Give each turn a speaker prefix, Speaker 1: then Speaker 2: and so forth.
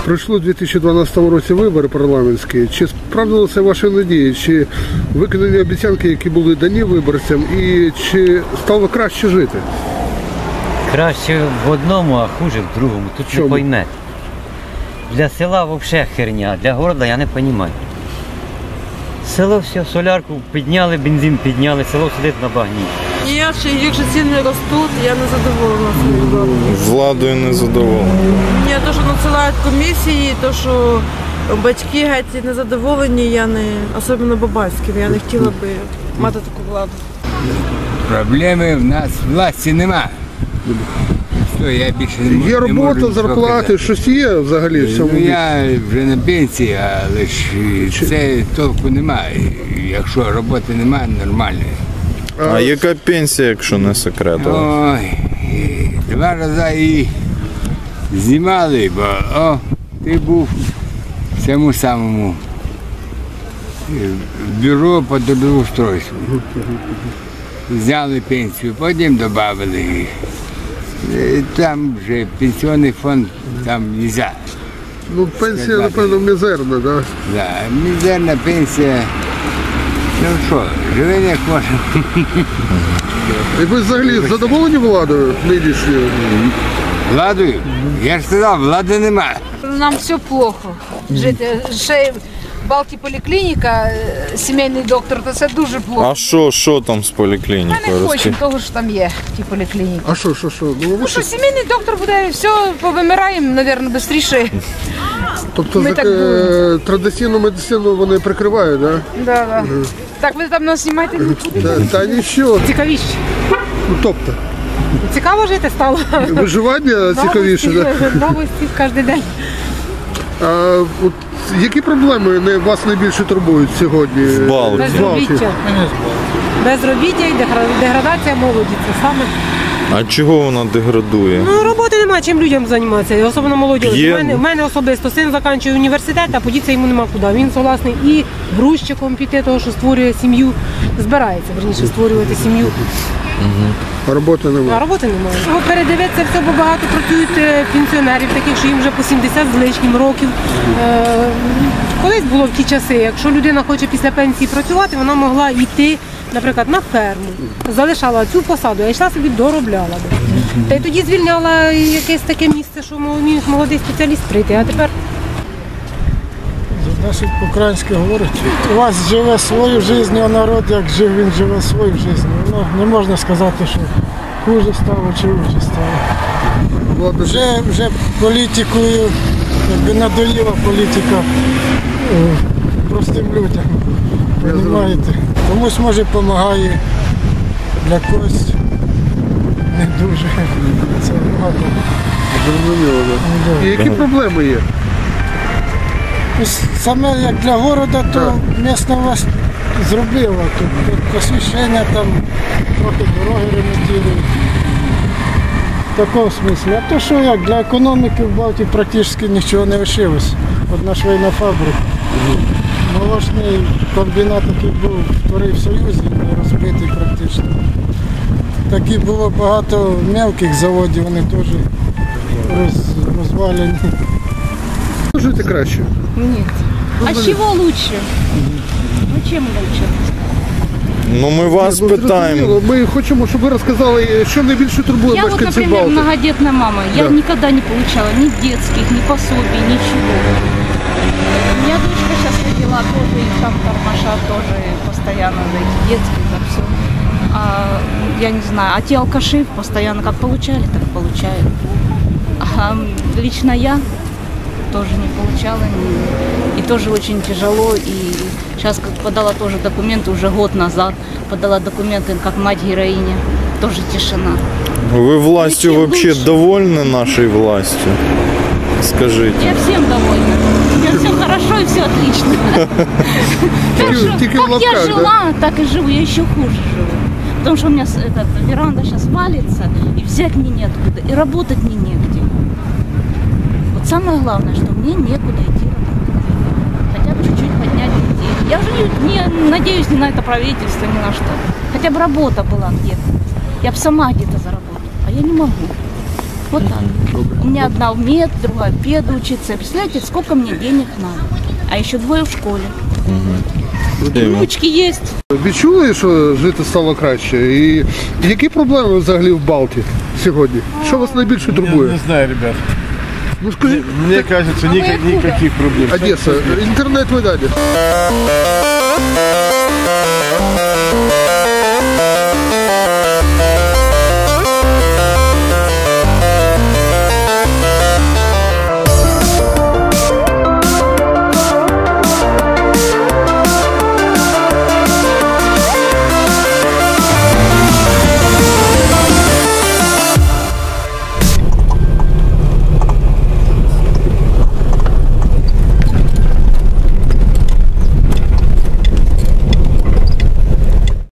Speaker 1: Пройшло у 2012 році вибори парламентські. Чи справдилися ваші надії? Чи виконані обіцянки, які були дані виборцям? І чи стало краще жити?
Speaker 2: Краще в одному, а хуже в другому. Тут не пойме. Для села взагалі херня, для города я не розумію. Село все, солярку підняли, бензин підняли, село сидить на багні.
Speaker 3: Ніякше, якщо ціни ростуть, я не задоволена своєю владою.
Speaker 4: Владою не задоволена.
Speaker 3: Ні, то, що надсилають комісії, то, що батьки геть не задоволені, я не, особливо Бабаськів, я не хотіла би мати таку владу.
Speaker 5: Проблеми в нас власті нема. Що, я більше не можу.
Speaker 1: Є робота, зарплати, щось є взагалі в цьому?
Speaker 5: Ну, я вже на пенсії, але ж це толку немає. Якщо роботи немає, нормально.
Speaker 4: А яка пенсія, якщо не секрет?
Speaker 5: Ой, 2 рази і знімали, бо ти був в цьому самому бюро по трудоустройству. Зняли пенсію, потім додали. Там вже пенсійний фонд, там не можна.
Speaker 1: Ну, пенсія, напевно, мізерна, так? Да?
Speaker 5: Да, мізерна пенсія. Ну що, живе як можна.
Speaker 1: І ви взагалі задоволені владою нинішньою?
Speaker 5: Владою? Я ж сказав, влади немає.
Speaker 6: Нам все плохо жити. Ще Балті поліклініка, сімейний доктор, то це дуже плохо.
Speaker 4: А що там з
Speaker 6: Ми
Speaker 4: поліклінікою?
Speaker 6: не хочемо того, що там є, ті поліклініки.
Speaker 1: А що?
Speaker 6: Ну що, сімейний доктор буде, все, повимираємо, мабуть, швидше.
Speaker 1: Тобто традиційну медицину вони прикривають, так?
Speaker 6: Да, да. Так, ви там нас знімаєте?
Speaker 1: Та нічого.
Speaker 6: Цікавіше.
Speaker 1: Ну, тобто?
Speaker 6: Цікаво жити стало.
Speaker 1: Виживання цікавіше, так?
Speaker 6: Новості кожен день.
Speaker 1: А от які проблеми вас найбільше турбують сьогодні?
Speaker 6: Безробіття. Безробіття і деградація молоді. Це саме.
Speaker 4: А чого вона деградує?
Speaker 7: Ну, роботи немає, чим людям займатися, особливо молоді. У мене особисто син закінчує університет, а подітися йому нема куди. Він согласний і грузчиком піти, того, що створює сім'ю, збирається, верніше, створювати сім'ю.
Speaker 1: А роботи немає?
Speaker 7: А роботи немає. Щоб передивитися, все, бо багато працюють пенсіонерів, таких, що їм вже по 70 з лишнім років. Колись було в ті часи, якщо людина хоче після пенсії працювати, вона могла йти, наприклад, на ферму, залишала цю посаду, а йшла собі доробляла. Та й тоді звільняла якесь таке місце, що міг молодий спеціаліст прийти, а тепер...
Speaker 8: Значить, по-українськи говорить, у вас живе свою життя, а народ, як жив, він живе свою життя. Ну, не можна сказати, що хуже стало чи лучше стало. Вже політикою, якби надоїла політика простим людям. Розумієте? Комусь, може, допомагає, для когось не дуже. Це багато.
Speaker 1: Зрозуміло, так. І які проблеми є?
Speaker 8: Саме як для города, то місна власть зробила. Тут освіщення, там трохи дороги ремонтують. В такому смислі. А то що як, для економіки в Балті практично нічого не лишилось. Одна швейна фабрика. Молочний комбінат, який був вторий в Союзі, не розбитий практично. Такі було багато мелких заводів, вони теж розвалені.
Speaker 1: Жити краще?
Speaker 6: Нет. А с чего лучше? Ну чем лучше?
Speaker 4: Ну ми вас питаємо.
Speaker 1: Ми хочемо, щоб ви розказали, що найбільше турбує
Speaker 9: мешканців Балти. Я вот, например, многодетная мама. Я никогда не получала ни детских, ни пособий, ничего. У меня дочка сейчас родила тоже, и там тормоша тоже постоянно за эти детские, за все. Я не знаю, а те алкаши постоянно как получали, так получают. А лично я тоже не получала, и тоже очень тяжело, и сейчас как подала тоже документы, уже год назад подала документы как мать-героиня, тоже тишина.
Speaker 4: Ви властю вообще довольны нашей властью? Скажите.
Speaker 9: Я всем довольна. У меня все хорошо и все отлично. Как я жила, так и живу, я еще хуже живу. Потому что у меня веранда сейчас валится, и взять мне неоткуда, и работать мне негде. Вот самое главное, что мне некуда идти работать. Хотя бы чуть-чуть поднять детей. Я уже не надеюсь ни на это правительство, ни на что. Хотя бы работа была где-то. Я бы сама где-то заработала, а я не могу. Вот так. У меня одна в мед, другая в пед учится. Представляете, сколько мне денег надо? А еще двое в школе. Внучки есть.
Speaker 1: Відчули, що жити стало краще? І які проблеми взагалі в Балті сьогодні? Що вас найбільше турбує?
Speaker 10: Не знаю, ребят.
Speaker 1: Ну скажіть,
Speaker 10: Мне кажется, никаких проблем.
Speaker 1: Одеса, інтернет-видання.